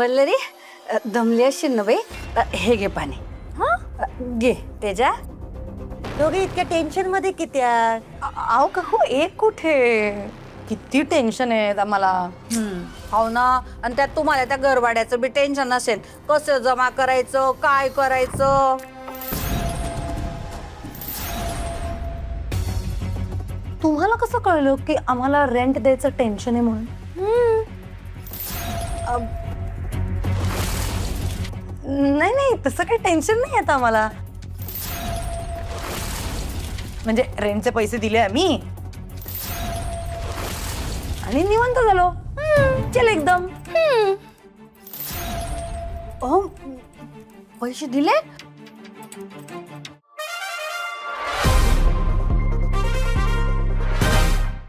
वल्लरी दमली असेल ना बाई. हे घे पाणी. घे तेजा. दोघे इतक्या टेन्शन मध्ये किती आहात? अहो काकू एक कुठे, किती टेन्शन आहे आम्हाला. हो ना. आणि त्यात तुम्हाला त्या घरभाड्याचं बी टेन्शन नसेल, कसं जमा करायचं, काय करायचं. तुम्हाला कसं कळलं की आम्हाला रेंट द्यायचं टेन्शन आहे म्हणून? नाही नाही, तसं काही टेन्शन नाही आता आम्हाला. म्हणजे रेंटचे पैसे दिले आम्ही आणि निवांत झालो. चल एकदम. पैसे दिले